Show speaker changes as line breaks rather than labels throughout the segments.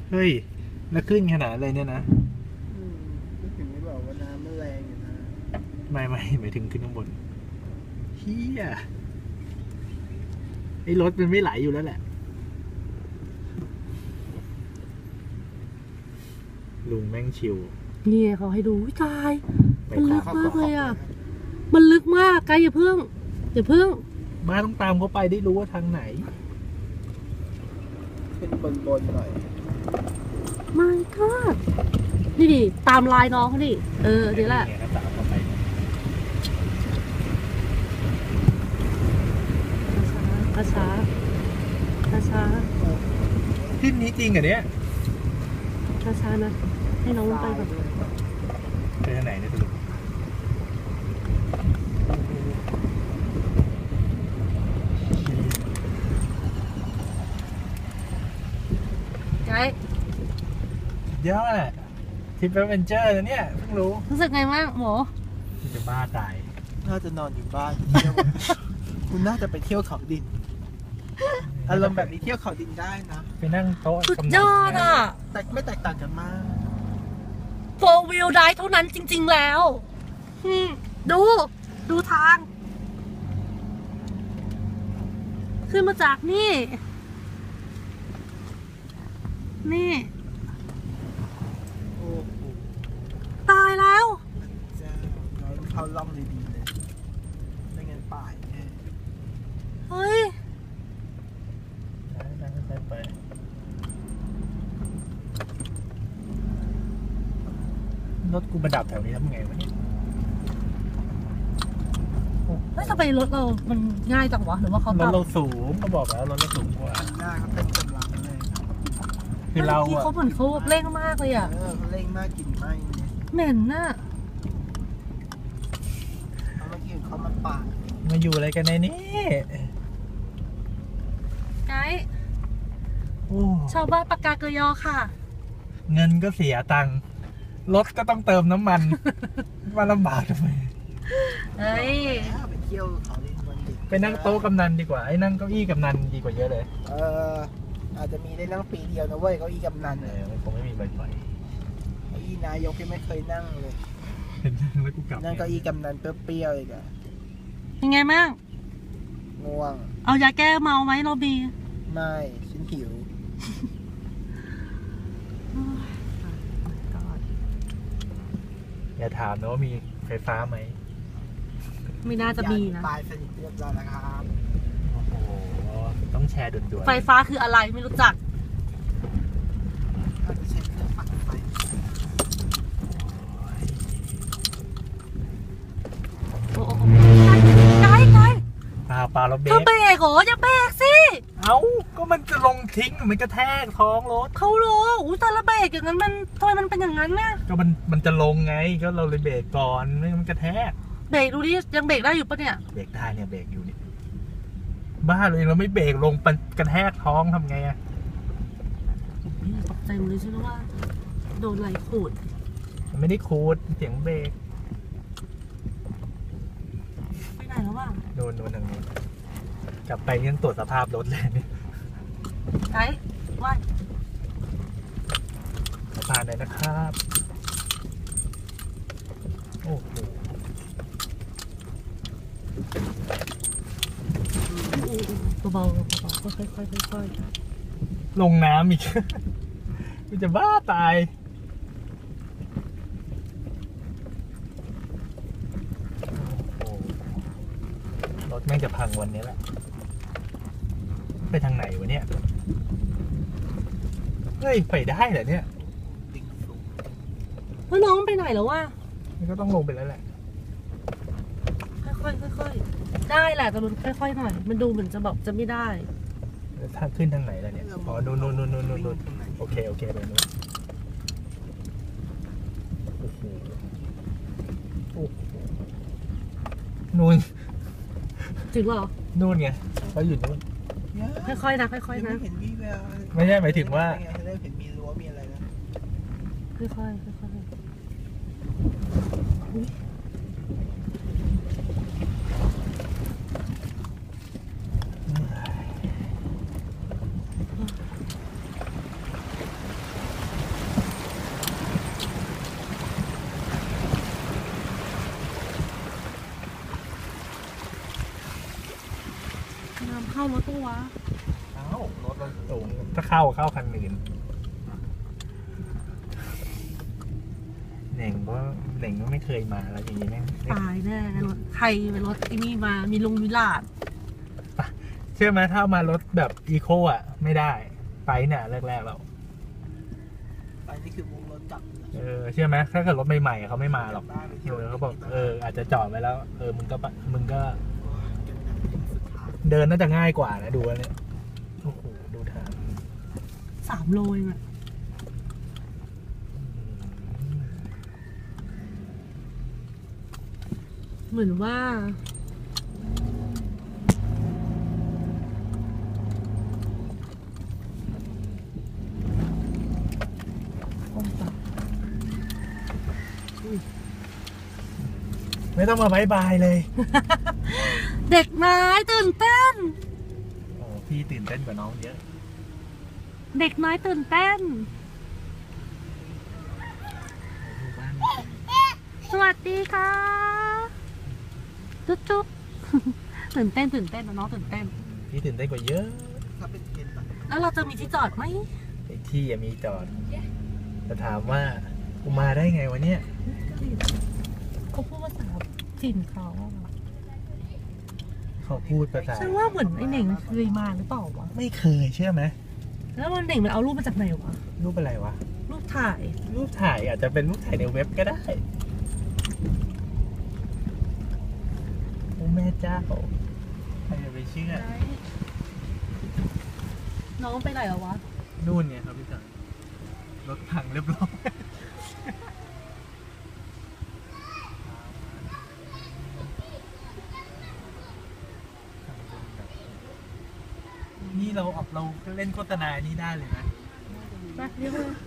เฮ้ยแล้วขึ้นขนาดเลยเนี่ยนะ
ก็ถึงไม่บอกว่าน้ำมันแรงอยู่นะ
ไม่หมายถึงขึ้นข้างบนเฮียไอ้รถมันไม่ไหลอยู่แล้วแหละลุงแม่งชิว
นี่เขาให้ดูวิตายมันลึก
ตาม
มากเลยอ่ะมันลึกมากไกลอย่าเพิ่ง
บ้าต้องตามเขาไปได้รู้ว่าทางไหน
ขึ้นบนหน่อย
ไม่ก็นี่ดิตามลายน้องเขาดิเดี๋ยวแหละ
ตามเขาไป
ช้า
ขึ้นนี้จริงเหรอเนี่ย
ช้านะให้น้องไปแบบ
ไปทางไหนเนี่ยสรุป
ไกด์
เยอะแหละทริปแอดเวนเจอร์นะเนี่ยเพิ่งรู้
สึกไงบ้างหมอ
จะบ้าตาย
น่าจะนอนอยู่บ้านคุณน่าจะไปเที่ยวเขาดินอารมณ์แบบนี้เที่ยวเขาดินได้นะ
ไปนั่งโต๊ะ
สุดยอดอ่ะ
แต่ไม่แตกต่างกันมาก
โฟร์วิวได้เท่านั้นจริงๆแล้วดูทางขึ้นมาจากนี่
โอ้โห
ตายแล้ว
จะเราเข้าล่องดีๆเลยไม่งั้นป่ายแน่
เฮ้ย
ไปรถกูมาดับแถวนี้ทำไงวะเนี่ย
ทำไมรถเรามันง่ายจังวะหรือว่าเขา
รถเราสูงเขาบอกแล้วรถเราสูงกว่า
หน้าเขาเต็มกำลังเลย
คือเราอะ
เขาเหมือนเขาเร่งมากเลยอะ
เขาเร่งมากกลิ่นไหม้
เหม็นน่ะ
เอามาที่เขามาปาด
มาอยู่อะไรกันในนี้
ไกด์ชาวบ้านปากกาเกยอค่ะ
เงินก็เสียตังค์รถก็ต้องเติมน้ำมันมาลำบากทำไม
เฮ้ย
ไปเที่ยวเขาดินวันเด็ก
ไปนั่งโต๊ะกำนันดีกว่าไอ้นั่งเก้าอี้กำนันดีกว่าเยอะเลย
อาจจะมีได้นั่งปีเดียวนะเว้ยเก้าอี้กำนัน
มันคงไม่มีบ่อย
ๆเก้าอี้นายกยังไม่เคยนั่งเลย
เห็นนั่งแล้วกูกลับ
นั่งเก้าอี้กำนันเปรี้ยวๆอีกอะ
ยังไงบ้าง
ง่วง
เอายาแก้เมาไหมโรบี
ไม่ฉันหิว
อย่าถามนะว่ามีไฟฟ้าไหม
ไม่น่าจะมีนะ
ตายสนิทเรียบร้อยแล้วครับ
โอ้โหต้องแชร์ด่วน
ๆไฟฟ้าคืออะไรไม่รู้จัก
เราจะใช้เครื่องปั่นไฟ
โอ้ไกด์
ปลาเราเบรก
เธอเบรกเหรออย่าเบรกสิ
เอ้าก็มันจะลงทิ้งมันกระแทกท้องรถ
เขารู้แต่ละเบรกอย่างนั้นมันทำไมมันเป็นอย่างนั้นน่ะ
ก็มันจะลงไงก็เราเลยเบรกก่อนไม่มันกระแทก
เบรกดูดิยังเบรกได้อยู่ปะเนี่ย
เบรกได้เนี่ยเบรกอยู่นี่บ้าเลยเราไม่เบรกลงมันกระแทกท้องทำไงอะ
ตกใจหมดเลยใช่ไหมว่าโดนไหลขูด
มันไม่ได้ขูดเสียงเบรก
ไปไหนแล้ววะ
โดนทางนี้กลับไปยังตรวจสภาพรถเลยนี่
ไกด์ว่า
ผ่านเลยนะครับโอ้โห
เบาๆค่อย
ลงน้ำอีกมันจะบ้าตายรถแม่งจะพังวันนี้แหละไปทางไหนวะเนี่ยเฮ้ยไปได้เหรอเนี่ย
แล้วน้องไปไหนแล้ววะ
มันก็ต้องลงไปแล้วแหละ
ค่อยได้แหละแต่มันค่อยๆหน่อยมันดูเหมือนจะบอกจะไม่ได้
ทางขึ้นทางไหนล่ะเนี่ยอ๋อนู่นโอเคไปนู่นโอ้โหนู่น
ถึงเหรอ
นู่นไงเขาอยู่นู่น
ค่อยๆนะค่อยๆนะ
ไม่ใช่หมายถึงว่า
เห็นมีรั้วมีอะไรนะ
ค่อยารถตู้วะ
เอ้ารถเราสูงถ้าเข้าคันอื่นเหน่งก็ไม่เคยมาแล้วอย่างนี้แม่ง
ตายแน่รถใครเป็นรถไอ้นี่มามีลุงวิลาด
เชื่อไหมถ้าเอามารถแบบอีโคอ่ะ ไม่ได้ไปเนี่ยแรกๆแล้ว
ไปนี่คือมุงรถกลับ
เชื่อไหมถ้าเกิดรถใหม่ๆเขาไม่มาหรอก
บ้านไปเที่ยว
เขาบอกอาจจะจอดไว้แล้วมึงก็เดินน่าจะง่ายกว่านะดูแล้วเนี่ยโอ้โหดูทาง
3 โลเองอะเหมือนว่า
ไม่ต้องมาบายบายเลย
เด็กน้อยตื่นเต้น
โอ้พี่ตื่นเต้นกว่าน้องเยอะ
เด็กน้อยตื่นเต้น สวัสดีค่ะ จุ๊บ ตื่นเต้นนะน้องตื่นเต้น
พี่ตื่นเต้นกว่าเยอะ
ถ้าเป็นเทนแบบ
แล้วเราจะมีที่จอดไหม
ไอ้ที่มีจอดจะถามว่ากูมาได้ไงวะเนี่ย
เขาพูดภาษาถิ่นเขา
เขาพูดภาษา
ฉันว่าเหมือนไอ้เหน่งเคยมาหรือเปล่าวะ
ไม่เคยเชื่อไหม
แล้วมันเหน่งมันเอารูปมาจากไหนวะ
รูปอะไรวะ
รูปถ่าย
รูปถ่ายอาจจะเป็นรูปถ่ายในเว็บก็ได้โอ้แม่เจ้าใครจะไปเชื่อ
น้องไปไหนแล้ววะ
นู่นเนี่ยครับพี่จ๋ารถพังเรียบร้อยนี่เราเล่นโฆษณานี้ได้เลยนะ
ไปเรียกเลย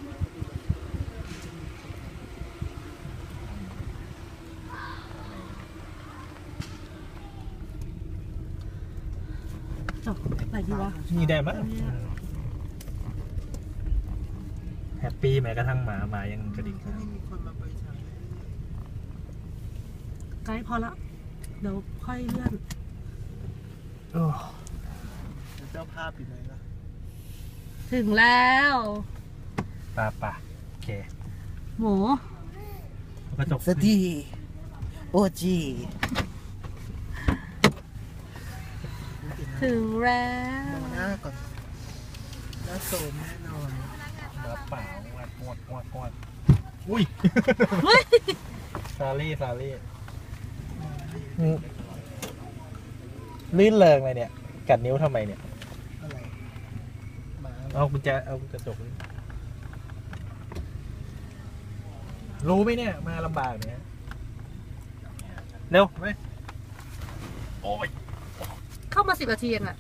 จบไหนดีวะ
นี่ได้มั้ยแฮปปี้แม้กระทั่งหมายังกระดิก
ที่นี่มีคนมาบริจาค
ไกด์พอละ เดี๋ยวค่อยเลื่อน
โอ้
เจ้าภาพอยู่ไหนล่ะ
ถึงแล้ว
ป่ะโอเค
หมู
กระจก
สตีโอจี
ถึงแล้ว
มองหน้าก่อนหน้าโสมแน่นอน
มาเปล่าวัดงวดอุ้ย
เฮ้ย
ซารี่ลื่นเริงเลยเนี่ย กัดนิ้วทำไมเนี่ย
อะไรหมา
เอากุญแจเอากระจกนี่รู้ไหมเนี่ย มาลำบากเนี่ยเร็วไปโอ้ย
เข้ามา10 นาทีเองอะ